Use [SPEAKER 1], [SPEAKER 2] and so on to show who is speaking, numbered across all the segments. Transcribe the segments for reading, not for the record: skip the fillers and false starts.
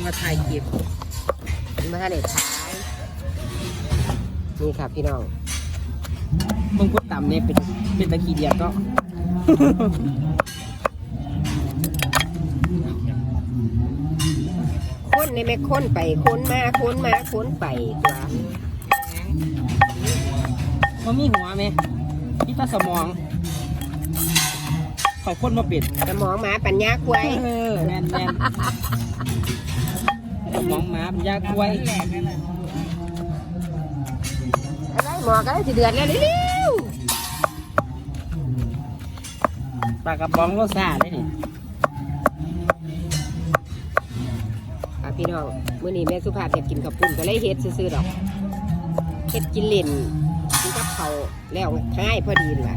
[SPEAKER 1] มาถ่ายคลิป
[SPEAKER 2] มาให้ได้ท้ายนี่ครับพี่น้อง
[SPEAKER 1] มึงพูดต่ำเนี่ยเป็นตะกี้เดียดก็
[SPEAKER 2] ค้นในแม่ค้นไปค้นมาค้นมาค้นไปตัว
[SPEAKER 1] มันมีหัวไหมที่ตาสมองเขาค้นมาปิด
[SPEAKER 2] สมองหมาปัญญาควาย
[SPEAKER 1] แมนสมองหมาปัญญาควาย
[SPEAKER 2] อะไรหมอก็ได้สิเดือนแล้วเร็ว
[SPEAKER 1] ปลากระป๋องรสชาตินี่
[SPEAKER 2] พี่น้องมื้อนี้แม่สุภาพอยากกินข้าวปุ้นก็เลยเฮ็ดซื่อๆดอกเฮ็ดกินเล่นกินกับเขาแล้วง่ายพอดีล่ะ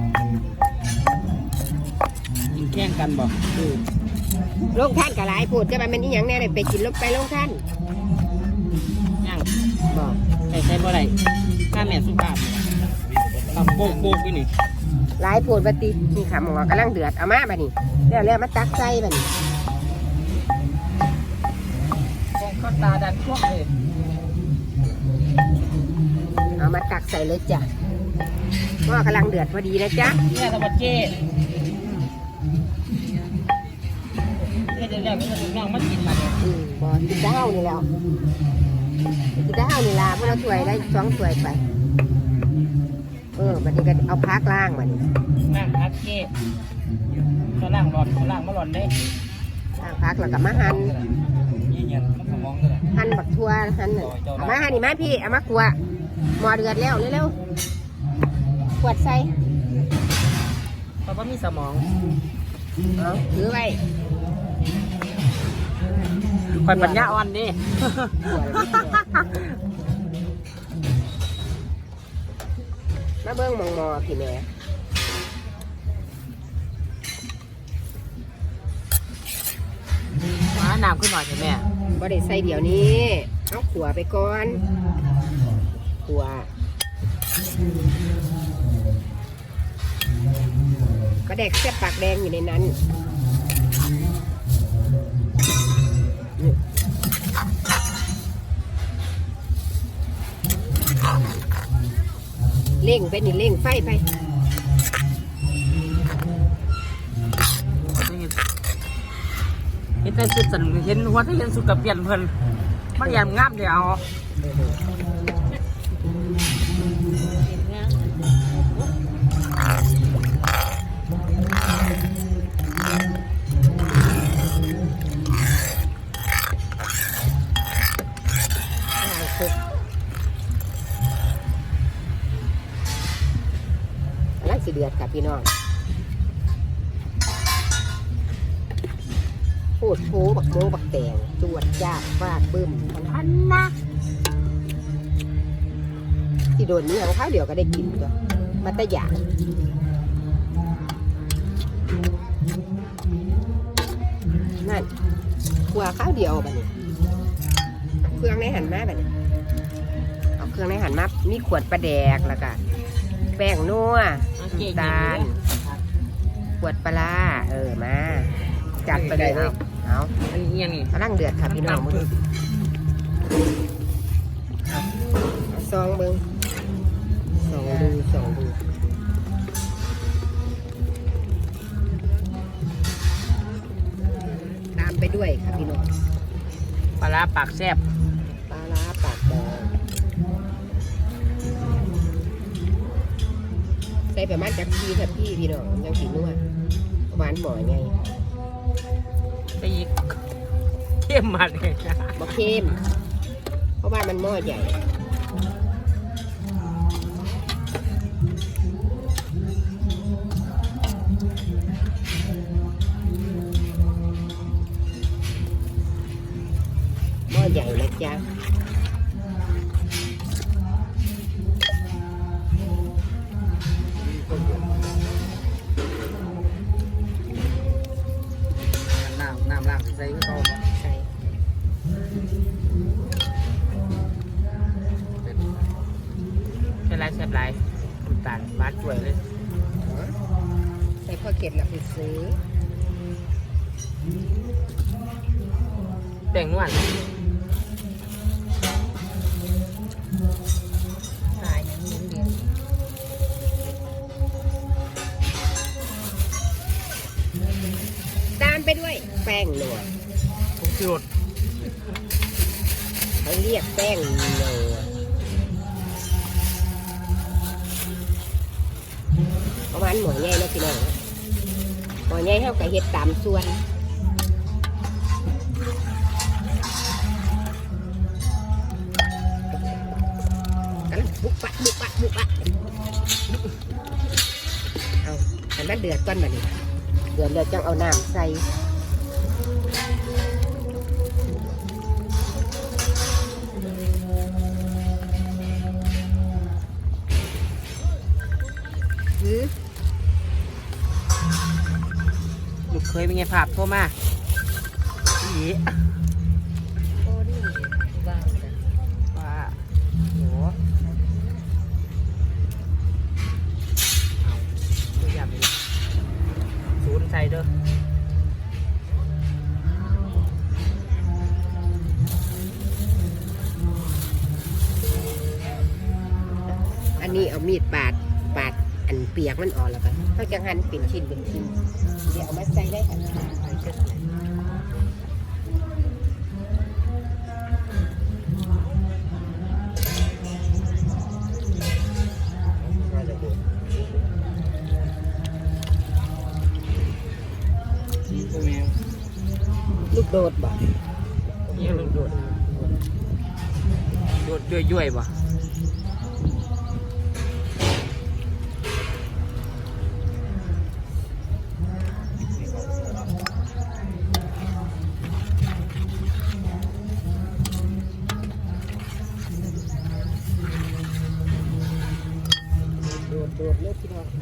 [SPEAKER 1] กินแข่งกันบอก
[SPEAKER 2] ลงท่านกับหลายพูดจะมันอีหยังแน่เลยไปกินลงไปลงท่าน
[SPEAKER 1] ยังบอกใส่บ่ได้ข้าแม่สุภาพทำโป๊กๆไปนี่
[SPEAKER 2] หลายพูดปฏินี่ค่ะหมอกำลังเดือดเอามาบัดนี้แล้วมาตักใส่บัดนี้
[SPEAKER 1] ก็ตาดันพวกเลย
[SPEAKER 2] เอามาตักใส่เลยจ้ะหม้อกำลังเดือดพอดีนะจ๊ะ
[SPEAKER 1] เนี่ยตะบัดเจ๊เดี๋ยวไม่ต้องน้องมากินมา
[SPEAKER 2] บ่กินได้นี่แล้วกินได้นี่ล่ะพวกเราถ้วยได้2ถ้วยไปบัดนี้ก็เอาพักล่างบัดนี้
[SPEAKER 1] ล่างพักเจ๊เขาล่างหลอดเขาล่างมาหลอดได้
[SPEAKER 2] ล่างพักแล้วก็มาหั่นบักทั่วหั่นเอามาหั่นนี่มาพี่เอามาขัวหม้อเดือดแล้วเร็วๆขวดใส่
[SPEAKER 1] เพราะว่ามีสมอง
[SPEAKER 2] เอาถือไว้
[SPEAKER 1] คอยปัญญาอ่อนดิ
[SPEAKER 2] มาเบิ้งมองพี่แม่
[SPEAKER 1] มาน้ำขึ้นหน่อยใช่ไหม
[SPEAKER 2] บ่ได้ใส่เดี๋ยวนี้เอาขัวไปก่อนขัวก็แดกเสียบปากแดงอยู่ในนั้นเล่งไปนี่เล่งไฟไป
[SPEAKER 1] เห็นแต่สุดสันเห็นหัวที่เห็นสุดกับเปลี่ยนเพิ่นมันยังงามเดียว
[SPEAKER 2] แล้วสิเดือดค่ะพี่น้องโคตรโผบักโมบักแตงจวดจ้าฟาดบึ้มอันนะที่โดนนี้ของข้าวเดียวก็ได้กินตัวมาตะหยานั่นขัวข้าวเดียวแบบนี้เครื่องในหันมาแบบนี้เอาเครื่องในหันมามีขวดปลาแดกแล้วก็แป้งนัวตาลขวดปลามาจัดไปเลยเอา
[SPEAKER 1] อันนี้ยังนี่
[SPEAKER 2] กำลังเดือดค่ะพี่น้องมึงซองมึงสองดูตามไปด้วยค่ะพี่น้อง
[SPEAKER 1] ปลาปากแซ่บ
[SPEAKER 2] ปลาปากแดงใส่ประมาณจักรีค่ะพี่น้องยังสีนัวหวานหมอยไง
[SPEAKER 1] ไปอีกเข้มมาเลย
[SPEAKER 2] บ่เข้มเพราะว่ามันหม้อใหญ่หม้อใหญ่นะจ๊ะ
[SPEAKER 1] น้ำล้างใส่ก็ใส่ไรแซ่บไรน้ำตาลหวานสวยเลย
[SPEAKER 2] ใส่ข้าวเกล็ดหลับไปซื้อ
[SPEAKER 1] แป้งนวล
[SPEAKER 2] แป้งนัว
[SPEAKER 1] ผมสิรถ
[SPEAKER 2] เขาเรียกแป้งนัวประมาณหมอใหญ่นะพี่น้องหมอใหญ่เท่ากับเห็ดตามส่วนกันบุกปะบุกปะบุกปะเอาแต่มันเดือดก้อนแบบนี้เดือดแล้วจังเอาน้ำใส่
[SPEAKER 1] ลูกเคยเป็นไงภาพโทรมาอี
[SPEAKER 2] โอ้ดิว้าวจ้ะ
[SPEAKER 1] ว่าโหเอาตัวอย่างนี้ศูนย์ใส่เด้อ
[SPEAKER 2] อันนี้เอามีดปาดอันเปียกมันออกแล้วกันเขาจะหั่นเป็นชิ้นเป็นชิ้นเดี๋ยวเอามาใส่ได้ค่ะลูกโดดบ่
[SPEAKER 1] นี่ลูกโดดโดดย่อยๆบ่
[SPEAKER 2] โดดเลยพี่น้อง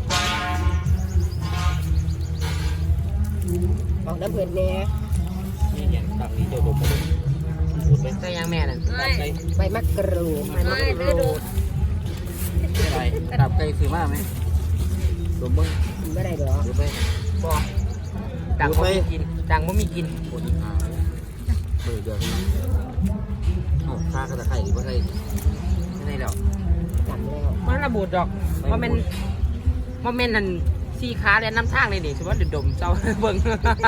[SPEAKER 2] ออกน้ำเพื่อนแน่
[SPEAKER 1] นี่อย่างตักนี้เดี๋ยวผมพูดไปใส่ยังแม่นั่นตับไก่
[SPEAKER 2] ใบมะกรูด
[SPEAKER 1] ไม่รู้อะไรตับไก่ซื้อมาไหมรวมเบิ้ง
[SPEAKER 2] กินไม่ได้ดอก
[SPEAKER 1] หรือไปบ่ดังบ่มีกินดังบ่มีกินปวดขาเดี๋ยวเอาข้ากระไข่หรือว่าไงไม่ได้ดอก
[SPEAKER 2] จำแล้ว
[SPEAKER 1] มันระบุดอกว่ามันนั่นสีขาและน้ำทางเลยนี่ถือว่าดมเจ้าเบิ่ง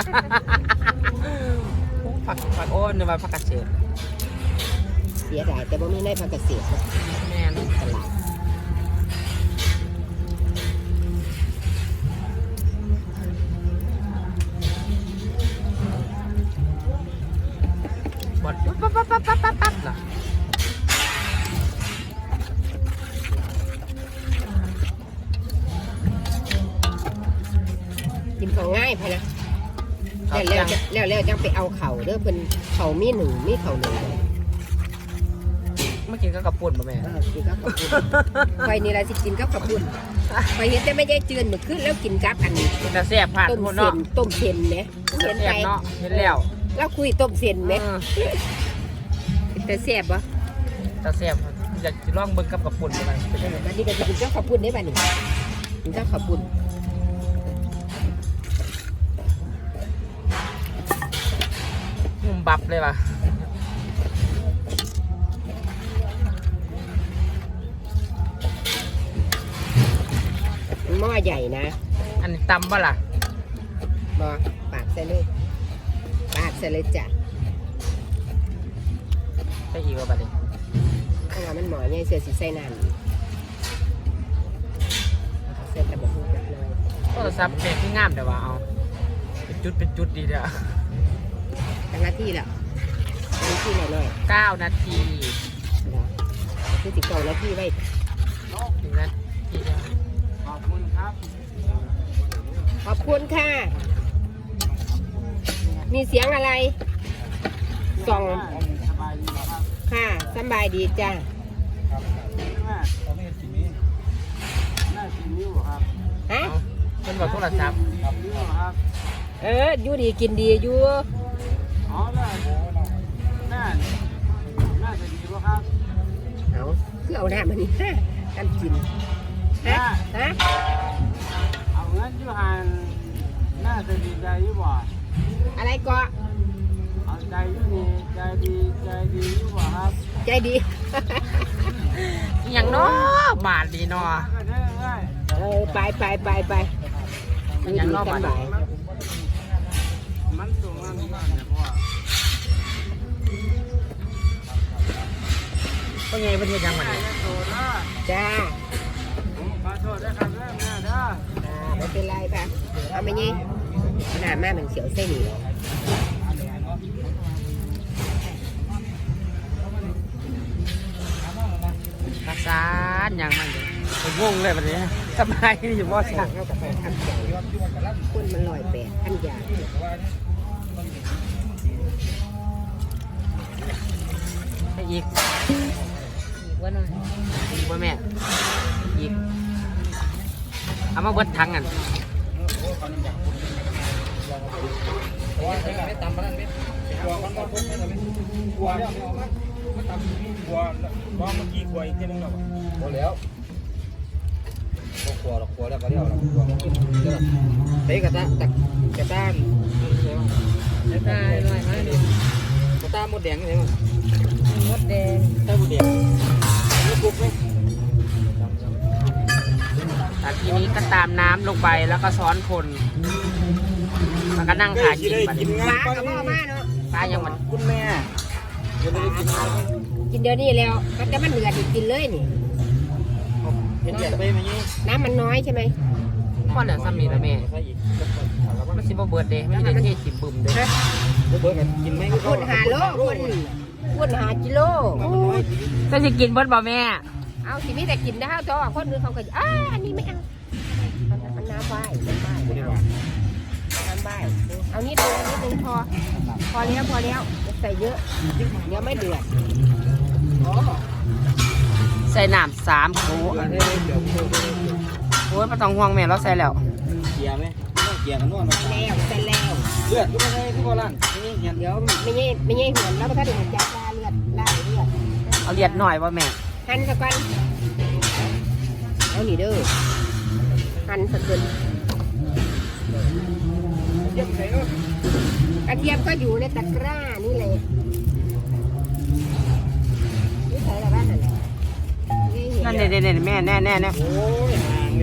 [SPEAKER 1] ผักโอ้นว่าผักกระเฉด
[SPEAKER 2] เสียดายแต่บ่มีในภาคเกษตร
[SPEAKER 1] แม่น
[SPEAKER 2] ตลาด
[SPEAKER 1] บดปั๊บน่ะ
[SPEAKER 2] กินของง่ายไปนะแล้วจังไปเอาเข่าเด้อเพิ่นเข่ามีหนึ่งมีเข่าหนึ่ง
[SPEAKER 1] เมื่อกี้ก็กระปุ่นป่ะแม่
[SPEAKER 2] กินกับขับปุ่นไฟนี่ละสิกินกับขับปุ่นไฟเห็นแต่ไม่ได้เจือนเหมือนขึ้นแล้วกินกับอันนี้
[SPEAKER 1] กินแต่แซ่บผ่าน
[SPEAKER 2] ต้ม
[SPEAKER 1] คน
[SPEAKER 2] เส้
[SPEAKER 1] เนาะ
[SPEAKER 2] นต้มเส้นไหมเห็น
[SPEAKER 1] แซ่
[SPEAKER 2] ไป
[SPEAKER 1] บเนาะเห็นแล้ว
[SPEAKER 2] แล้วคุยต้มเส้นไหมแต่แซ่บปะ
[SPEAKER 1] แต่แซ่บอยากจะลองเบิ่งกับกระปุ่นอะไรเป็นยังไง
[SPEAKER 2] บัดนี้ก็จะกินกับขับปุ่นได้ป่ะนี่กินกับขับปุ่น
[SPEAKER 1] มุมบับเลยว่ะ
[SPEAKER 2] หม้อใหญ่นะ
[SPEAKER 1] อันนี้ตำป่ะล่ะ
[SPEAKER 2] บอปาดใส่เลยปาดใส่เลยจ้ะ
[SPEAKER 1] ใช่อีกว่าบัดนี้
[SPEAKER 2] เพราะว่ามันหมอใหญ่เสือสีใส่น้ำใส่ตะบกหุ่นจักหน่อย
[SPEAKER 1] โทรศัพท์แม่ที่งามแต่ว่าเอาเป็นจุดดีเด้อ
[SPEAKER 2] ตั้งหน้าที่แล้วตั้งหน้าที่หน่อย
[SPEAKER 1] 9 นาที
[SPEAKER 2] ๆเนาะคือติดเก่าหน้าที่ไว้
[SPEAKER 1] ถึงนาทีเดียวขอบคุณครับ
[SPEAKER 2] ขอบคุณค่ะ มีเสียงอะไรส่อง
[SPEAKER 1] สบายดีครับ
[SPEAKER 2] ค่ะสบายดีจ้า
[SPEAKER 1] แม่ตอนนี้กินนี้น่ากินนิ้วครับ
[SPEAKER 2] ฮะ
[SPEAKER 1] เป็นแบบโทรศัพท์กับนิ้วครับ
[SPEAKER 2] อยู่ดีกินดีอยู่
[SPEAKER 1] อ๋อน่าจะดีป่ะครับ
[SPEAKER 2] เอาคือเอาหน้ามันนี่ฮะกันกินฮะฮะ
[SPEAKER 1] เอาเงินอยู่หันน่าจะดีใจอยู่บ่
[SPEAKER 2] อะไรก็
[SPEAKER 1] เอาใจอยู่นี่ใจดีอยู่บ่ครับ
[SPEAKER 2] ใจดี
[SPEAKER 1] อย่างน้อบาทดีเนาะ
[SPEAKER 2] ไปอยู่ดีกันบ่าย
[SPEAKER 1] มันสูงก็ไงประเทศยังมัน
[SPEAKER 2] จ้า
[SPEAKER 3] ขอโทษด้วยครับแม่เด้อ
[SPEAKER 2] ไม่เป็นไรป่ะเอาไม่ยี่หน้าแม่มันเสียวเส้นอยู่
[SPEAKER 1] รักษาอย่างมันผมงงเลยวันนี้สบายอยู่บ่ช่าง
[SPEAKER 2] เข้ากับไปทำใจคนมัน108อันยา
[SPEAKER 1] ให้อีกว่าน้อยอีกว่าแม่อีกเอามาเบิดทั้งกัน
[SPEAKER 3] ไม่ตำมันนั่นไม่กลัวมันก็พุ่งไม่ทำไม่กลัวแล้วไม่ออกมาไม่ตำกลัวร้องเมื่อกี้กลัวอีกทีนึงแล้วกลัวแล้วกลัวหรอกกลัวแล้วก็เรียกหรอกกลัวมันกินเยอะเตะกระตากระตานกระตาลอยมาเลยกระตามดแดงใช่ไหมมดแดงใช่มดแดงมดกุ๊กไหม
[SPEAKER 1] แต่ทีนี้ก็ตามน้ำลงไปแล้วก็ซ้อนคนแล้วก็นั่งถ่ายกินไป
[SPEAKER 2] ปลากับพ่อมาเนาะ
[SPEAKER 1] ปลายังมัน
[SPEAKER 3] คุณแม่จะได้กินอะไร
[SPEAKER 2] กินเดี๋ยวนี้แล้วแต่มันเหลือกินเลยนี่
[SPEAKER 3] เห็นแบบไปไหมนี่
[SPEAKER 2] น้ำมันน้อยใช่ไหม
[SPEAKER 1] พ่อเหลือซ้ำนี่ละแม่
[SPEAKER 3] ใช่อีก
[SPEAKER 1] มันสิบ่เบิดเด้ไม่ได้เทสิบึมเด้
[SPEAKER 3] เบิร์กันกินไหม
[SPEAKER 2] คุณหาโลคุณหากิโล
[SPEAKER 1] ก็สิกินเบิดบ่แม่
[SPEAKER 2] เอาสิมีแต่กินได้เท่าคนอื่นเขาก็อันนี้ไม่เอามันน้ำใบน้ำใบน้ำใบเอานิดนึงพอแล้วใส่เยอะเดี๋ยวไม่เดือด
[SPEAKER 1] ใส่น้ำ3 โถโอ้ยไม่ต้องห่วงแม่เราใส่แล้ว
[SPEAKER 3] เกียร์ไหมต้องเกียร์กันนวดไหม
[SPEAKER 2] ใส่แล้ว
[SPEAKER 3] เลือดก็ไม่ใช่ที่โบราณนี่เห็น
[SPEAKER 2] เดี๋ยวไม่ใช่เหือนแล้วถ้าเดือดจะลาเลือด
[SPEAKER 1] เอาเลียดหน่อยบ่แม่
[SPEAKER 2] หั่นสักวันเอาหนีเด้อหั่นสักเกิน
[SPEAKER 3] เยี่ยมใส่เนาะ
[SPEAKER 2] กระเทียมก็อยู่ในตะกร้านี่เลยนี่ใส่อะไรบ้างนั่นแหละ
[SPEAKER 1] นั่นเด่นๆแม่แน่
[SPEAKER 3] โอ้ยห่างเลย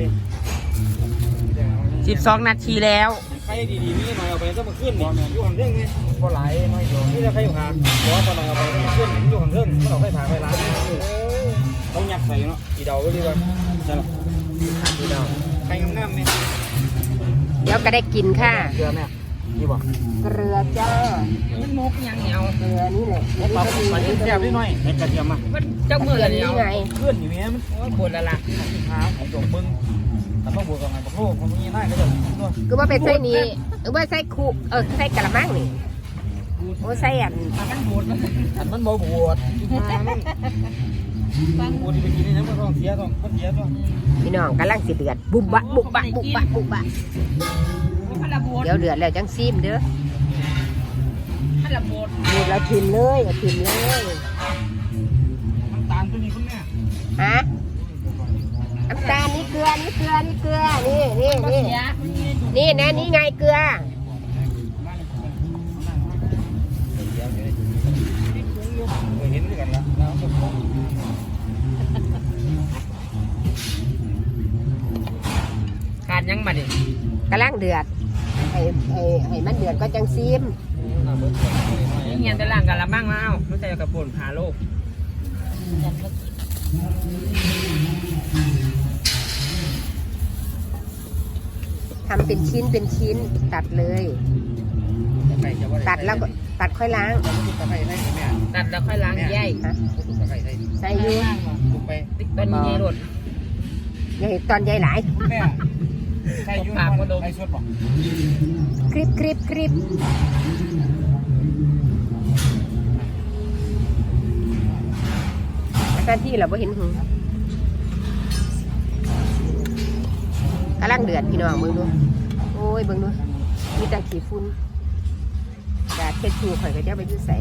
[SPEAKER 1] 12 นาทีแล้ว
[SPEAKER 3] ใครดีๆนี่หน่อยเอาไปต้องมาขึ้นนี่อยู่ห่างเรื่องไงพอไหลน้อยอยู่นี่ถ้าใครอยู่ห่างหัวพอหน่อยเอาไปต้องมาขึ้นอยู่ห่างเรื่องไม่ต้องไปถ่ายไปร้านต้องยัดใส่เนาะอีเดาก็ดีกว่าใช่ไหมอีเดาใครงามๆไหม
[SPEAKER 2] เดี๋ยวก็ได้กินค่ะ
[SPEAKER 3] เกลือแม่นี่บอก
[SPEAKER 2] เกลือจ้า
[SPEAKER 1] มันมกยังเหนียว
[SPEAKER 2] เกลือนี่แหละแล้ว
[SPEAKER 3] ปรับ
[SPEAKER 2] ก็มี
[SPEAKER 3] ไปแซ่บนิดหน่อยในกระเทียมอ่ะ
[SPEAKER 1] มันเจ้ามือ
[SPEAKER 2] เกลือ
[SPEAKER 1] เหนี
[SPEAKER 2] นี่
[SPEAKER 1] ยว
[SPEAKER 2] ไง
[SPEAKER 3] เพื่อนอยู่เนี่ยมัน
[SPEAKER 1] โอ้ยปวดละล่ะ
[SPEAKER 3] หาของจงมึงแต่ต้องบวกกับไงบอกโลกมันมีหน้าก็จะด้วย
[SPEAKER 2] คือว่าเป็นไส้นี้หรือว่าไส้คุไส้กระมังนี่โอ้ไส้อัน
[SPEAKER 1] มันปวด
[SPEAKER 3] อันมันบ่บวชมันบวชที่ไปกินนี่นะมันต้องเสียต้องมันเสียต้อง
[SPEAKER 2] พี่น้องกำลังสิเดือดบุบบะเดี๋ยวเดือดแล้วจังซีมเด้อ
[SPEAKER 1] มันละปวด
[SPEAKER 2] นี่เราชิมเลยชิมเลย
[SPEAKER 3] มันตาลตัวนี้คุณแม่
[SPEAKER 2] ฮะน้ำตาลนี่เกลือนี่นะนี่ไงเกลือ
[SPEAKER 3] เห็นด้วยกันแล้วแล้วก็
[SPEAKER 1] ขาดยังมาดิ
[SPEAKER 2] กำลังเดือดให้มันเดือดก็จังซีม
[SPEAKER 1] เงียนแต่ล่างกันละมั่งมาเอาไม่ใช่กระปุนหาโลก
[SPEAKER 2] ทำเป็นชิ้นตัดเลย ตัดแล้วก็ตัดค่อยล้าง
[SPEAKER 3] ตะไคร้ให้แม่
[SPEAKER 1] ตัดแล้วค่อยล้างใย
[SPEAKER 2] ฮะ
[SPEAKER 3] ตะไคร้ให้
[SPEAKER 2] ใส่อยู
[SPEAKER 3] ถูกไป
[SPEAKER 1] ติ๊กต้นใหญ่รถ
[SPEAKER 2] อย่าให้ตอนใหญ่หลาย
[SPEAKER 3] แม่ใช่ยุ่งไอ้ชดบอก
[SPEAKER 2] คลิปหน้าที่เราไม่เห็นหูกำลังเดือดพี่น้องเบิ่งดูโอ้ยเบิ่งดูมีแต่ขี้ฝุ่นกาดเช็ดชูข่อยก็จะไปยืดใส่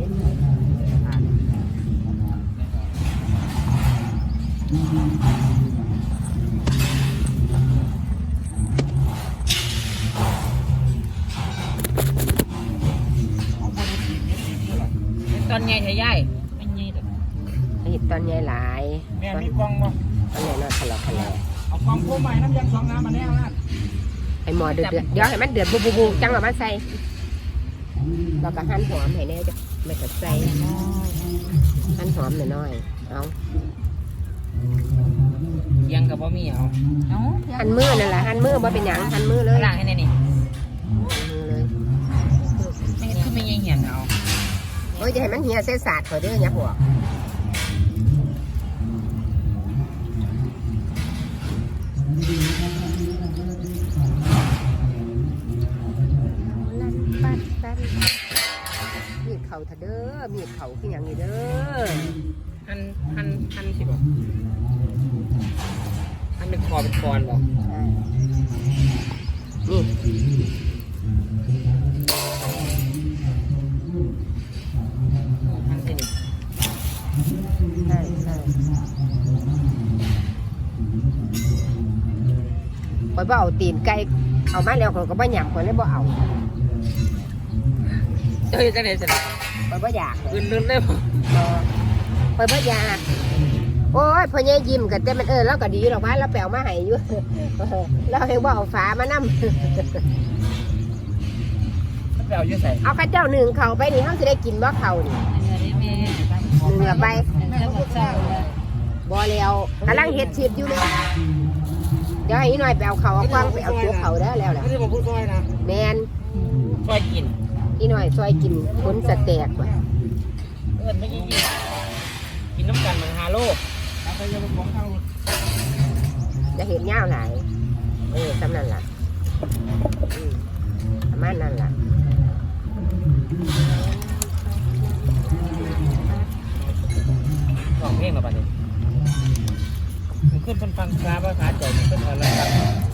[SPEAKER 1] ตอนใหญ่ใช่ใหญ่ไม่ใหญ่แต่
[SPEAKER 2] เห็ดตอนใหญ่หลาย
[SPEAKER 3] แม่มีกล้องบ่
[SPEAKER 2] ตอนใหญ่นอนทะเลาะกันแล้ว
[SPEAKER 3] เอากล้องโค้งใหม่น้ำยางสองน้ำมาแน่นะ
[SPEAKER 2] ไอหมอเดือดเดี๋ยวให้มันเดือดบูจังหวะมันใส่เราก็หั่นหอมให้แน่จ้ะไม่กระใส่หั่นหอมหน่อยๆเอา
[SPEAKER 1] ยังกับบ่มีเอา
[SPEAKER 2] หั่นมือนั่นแหละหั่นมือบ่เป็นหยังหั่นมือเลย
[SPEAKER 1] ล้างให้แน่นี่
[SPEAKER 2] มือเลย
[SPEAKER 1] ไม่คือไม่ยังเหียนเอา
[SPEAKER 2] โอ้ยจะให้มันเหี่ยเส้นสาดเขาเด้ออย่าหัวมีดเข่าเถอะเด้อมีดเข่าคืออย่างนี้เด้อ
[SPEAKER 1] หันสิบ่หันเป็นคอเป็นกรบ่
[SPEAKER 2] นี่
[SPEAKER 1] หันสินี่
[SPEAKER 2] ใช่ใช่ข่อยบ่เอาตีนไก่เอามาแล้วข่อยก็บ่หยำข่อยเลยบ่เอา
[SPEAKER 1] เจ้าจังได๋สิ
[SPEAKER 2] ข่อยบ่อยากเลย
[SPEAKER 1] อื่นๆได้บ่
[SPEAKER 2] ข่อยบ่อยากโอ้ยพ่อใหญ่ยิ้มกันแต่มันแล้วก็ดีหรอกว่าเราแปลมาให้อยู่ เราเองบ่เอาฝามานำ
[SPEAKER 1] มันไปเอาอยู่ไส
[SPEAKER 2] เอาข้าเจ้าหนึ่งเขาไปนี่เขาจะได้กินบ่เขานี่หนึ่งไปบ่แล้วกำลังเฮ็ดชีพอยู่เลยเดี๋ยวให้อีหน่อยไปเอาเขาเอากว้างไปเอาตัวเขาได้แล้วแหละ
[SPEAKER 3] ไม่ได้บอกพูดซอยนะ
[SPEAKER 2] แมน
[SPEAKER 1] ช่วยกิน
[SPEAKER 2] อีหน่อยซอยกินผลสแตกว่ะ
[SPEAKER 1] ไม่กินกินน้ำกันมัน5 โล
[SPEAKER 3] เอาไปยังของข้าว
[SPEAKER 2] จะเห็นยาวหลายสำนั่นล่ะประมาณนั้นล่ะ
[SPEAKER 1] ร้องเพลงแล้วบัดนี้มันขึ้นเป็นฟังคลาภาษาใจมันขึ้นอะไรครับ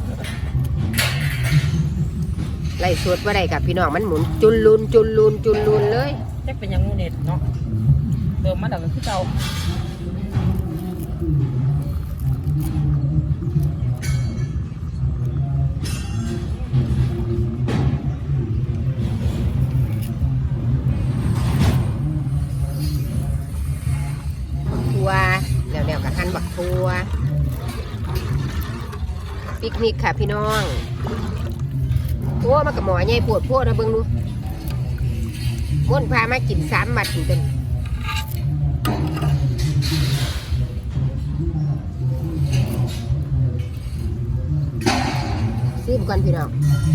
[SPEAKER 2] ไล่สวดว่าได้กับพี่น้องมันหมุนจุนลุนจุนลุนจุนลุนเลย
[SPEAKER 1] จักเป็นยังงูเน็ตเนาะเดิมมาดักคือเก่า
[SPEAKER 2] ทัวแล้วกับหั่นบักทัวปิกนิกค่ะพี่น้องโอ้มากับหมอใหญ่ปวดพวดนะเบิ่งดูม้วนพามากิน3 บัดถึงเป็นซิมก่อนพี่น้อง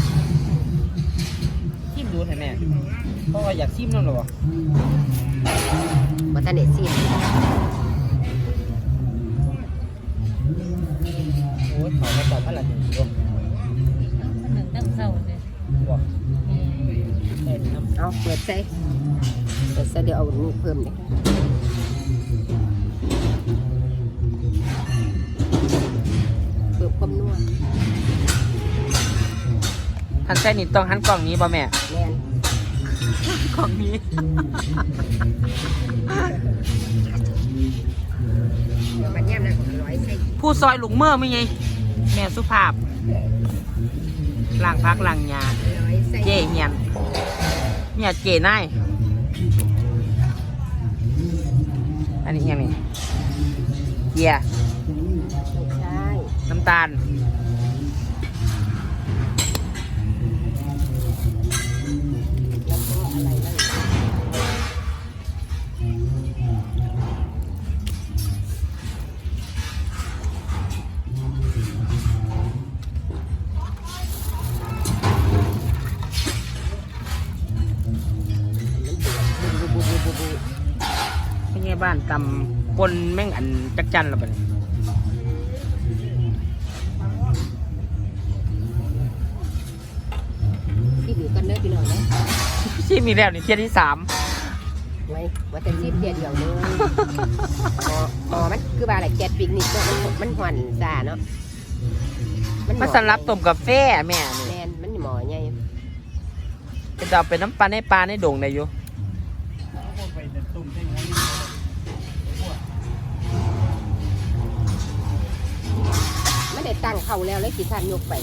[SPEAKER 1] ชิมดูเถอะแม่เพราะว่าอยากชิมนั่นหรอ
[SPEAKER 2] มาทันเด็ดซิม
[SPEAKER 1] โอ้ยขอมาตอบอะไรถึงตัว
[SPEAKER 4] หนึ่งตั้งเศร้าเลย
[SPEAKER 1] บอกเอ็นน้ำ
[SPEAKER 2] เอาเปิดใส่เดี๋ยวเอานี่เพิ่มเนี่ยเพิ่มความนัว
[SPEAKER 1] หันใส่นี่ต้องหันกล่องนี้ป่ะแม่
[SPEAKER 2] แมน
[SPEAKER 1] กล่องนี้
[SPEAKER 2] เดี๋ยวมันแย่มนะของร้อยใส่
[SPEAKER 1] ผู้ซอยลุงเมื่อไม่ไงแม่สุภาพล้างพักล้างยา
[SPEAKER 2] ร้อยใส่
[SPEAKER 1] เจ๊เงียนเนี่ยเจ๊นายอันนี้ยังนี่เกียร์
[SPEAKER 2] ใช่
[SPEAKER 1] น้ำตาล
[SPEAKER 2] แล้วก็อะไรนั่นบู
[SPEAKER 1] เป็นไงบ้านตำปนแม่งอันจักจันหรอปะเนี่ย
[SPEAKER 2] ที่บีกันเด้อพี่น้องนะ
[SPEAKER 1] ชิมมีแล้วนี่เที่ยที่
[SPEAKER 2] ไว้ว่าแต่ซีบเดียวเลยอ๋อมันคือว่าอะไรแกดปิกนิกเนาะมันหวานซ่าเนาะ
[SPEAKER 1] 3มาสลับต้มกาแฟแม่นี่
[SPEAKER 2] แมนมันหมอใหญ่
[SPEAKER 1] จะเอาเป็นน้ำปลาในปลาในโด่งได้อยู่
[SPEAKER 3] ไปแต่ตุ่มใช่ไหม
[SPEAKER 2] ไม่ได้ตั้งเขาแล้วเลยกี่ท่านยกไป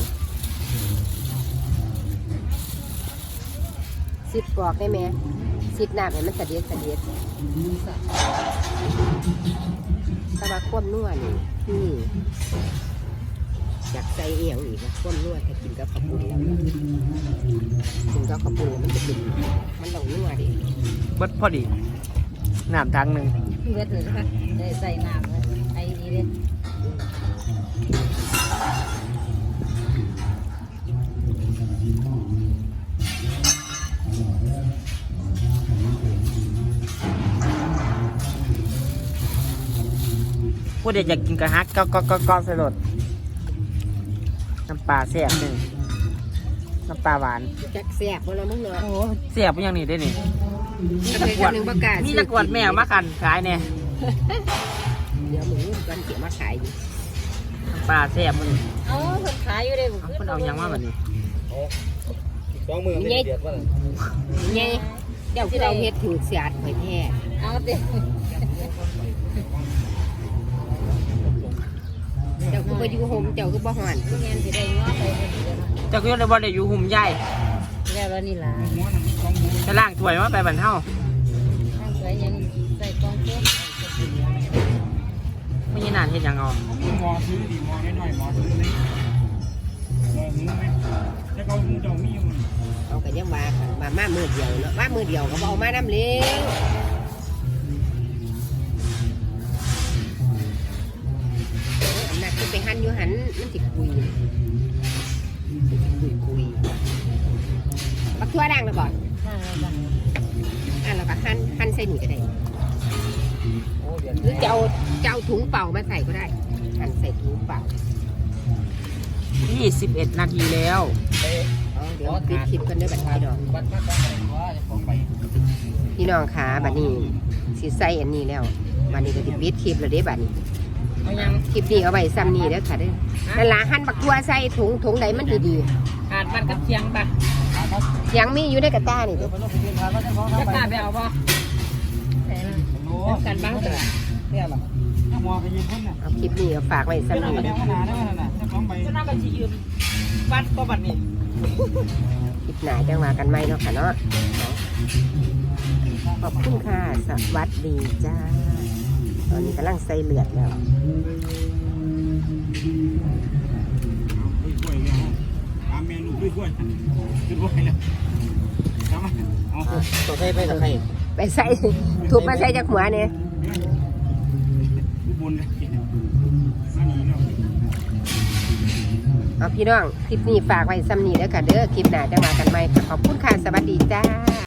[SPEAKER 2] สิบกรอกได้ไหมสิบน้ำให้มันเสด็จแต่ว่าควบนวลนี่อยากใส่เอียงอีกนะก้นนวดถ้ากินกับข้าวปุ้นแล้วกินกับข้าวปุ้นมันจะกินมันต้องนวดดิ
[SPEAKER 1] เบิดพอดีน้ำถังหนึ่ง
[SPEAKER 4] เวทเลยนะคะได้ใส่น้ำเลยไอ้นี่เลย
[SPEAKER 1] ผู้ใดอยากกินกระฮักก็ใส่รสน้ำปลาแซ่บหนึ่งน้ำปลาหวาน
[SPEAKER 2] จักแซ่บบ่ละมึงเนาะ
[SPEAKER 1] โอ้แซ่บอย่างนี้ได้นี่
[SPEAKER 2] นี่ตะกวดหนึ่งประกาศ
[SPEAKER 1] นี่ตะกรวดแมวมากันขายเนี่ย
[SPEAKER 2] เดี๋ยวมึงกันเกี่ยวมาขายอยู่
[SPEAKER 1] น้ำปลาแซ่บมัน
[SPEAKER 4] เอาคนขายอยู่เลย
[SPEAKER 1] เอาคนเอาหยังมาแบบนี้
[SPEAKER 3] 2 มือไม่เดือดว่า
[SPEAKER 2] ไงเดี๋ยวที่เราเฮ็ดถือเสียดไปแท้
[SPEAKER 4] เอาเด็ก
[SPEAKER 2] เจ้าคือบ่อยู่โฮมเจ้าคือบ่ฮ้อน
[SPEAKER 4] ทุเรียนสิได้ง้อไปเดี๋ยวนะ
[SPEAKER 1] เจ้าก็ยังได้บ่ได้อยู่หุ่มใหญ่
[SPEAKER 4] แล้วนี่ล่ะ
[SPEAKER 1] จะล่างถ้วยมาไปบรรเทา
[SPEAKER 4] ข้างสวยยังใส่กองเต้น
[SPEAKER 1] ไม่ยินนานเห็นยังเอา
[SPEAKER 3] หมอซื้อดิหมอน้อยๆหมอซื้อนี่หมอหูไหมแต่เขาหูเจ้ามีอยู่
[SPEAKER 2] เอากันยังว่ามามือเดียวเนาะมามือเดียวก็บ่เอามาน้ำเลี้ยงอันนั้นคือไปหั่นอยู่หันมันสิคุยบักทั่วดังแล้วบ่
[SPEAKER 4] ข้างแล้วกัน
[SPEAKER 2] แล้วก็หั่นใส่นี่ก็ได้
[SPEAKER 3] โอ้เดือด
[SPEAKER 2] หรือจะเอาถุงเปล่ามาใส่ก็ได้หั่นใส่ถุงเปล่า
[SPEAKER 1] 21 นาทีแล้ว
[SPEAKER 2] เดี๋ยวปิดคลิปกันด้วยบัดพี่น้อง
[SPEAKER 3] บัดมาตั้งแต่ว่าจะของไป
[SPEAKER 2] พี่น้องขาบัดนี้สิใส่อันนี้แล้วบัดนี้ก็สิปิดคลิปแล้วเด้บัดนี้
[SPEAKER 1] เอายัง
[SPEAKER 2] คลิปนี้เอาไว้ซ้ำนี้เด้อค่ะเด้อนั่นล่ะหั่นบักทั่วใส่ถุงใดมันดี
[SPEAKER 1] ขาดมันกับเชียงปะ
[SPEAKER 2] ๆเสียงมีอยู่ในกระต้านี่เด้อ
[SPEAKER 3] ไปรถไปเดินทางแล้วจะของ
[SPEAKER 1] จะ
[SPEAKER 3] ทำไป
[SPEAKER 1] กล้าไปเอาบ่
[SPEAKER 4] ใส่ละ
[SPEAKER 3] โอ้
[SPEAKER 1] กันบ้างเถอะ
[SPEAKER 3] เนี่ยหรอถ้ามอไปยืมคนน่ะ
[SPEAKER 2] เอาคลิปนี้เอาฝากไว้ซ้ำนี้
[SPEAKER 3] แล้
[SPEAKER 2] เด้
[SPEAKER 3] ว
[SPEAKER 2] อ
[SPEAKER 3] ขนาดนั้นน่ะจะของไป
[SPEAKER 1] จะน่าไปชี้ยืมวัดก็บัดนี้
[SPEAKER 2] คลิปหน้าจังว่ากันใหม่เนาะค่ะเนาะขอบคุณค่ะสวัสดีจ้าตอนนี้กำลังใส่เลือดแล้ว
[SPEAKER 3] กล้วยเนี่ยตามเมนูกล้วยคือกล้วยแล้วทำไมเอา
[SPEAKER 1] ตัวใส่ไปตะไคร้
[SPEAKER 2] ไปใส่ถูกมาใส่จากหัวเนี่ย
[SPEAKER 3] บุญเลยอันนี้เนาะ
[SPEAKER 2] เอาพี่น้องคลิปนี้ฝากไว้ซ้ำนี้เด้อค่ะเด้อคลิปหน้าจะมากันใหม่ค่ะขอบคุณค่ะสวัสดีจ้า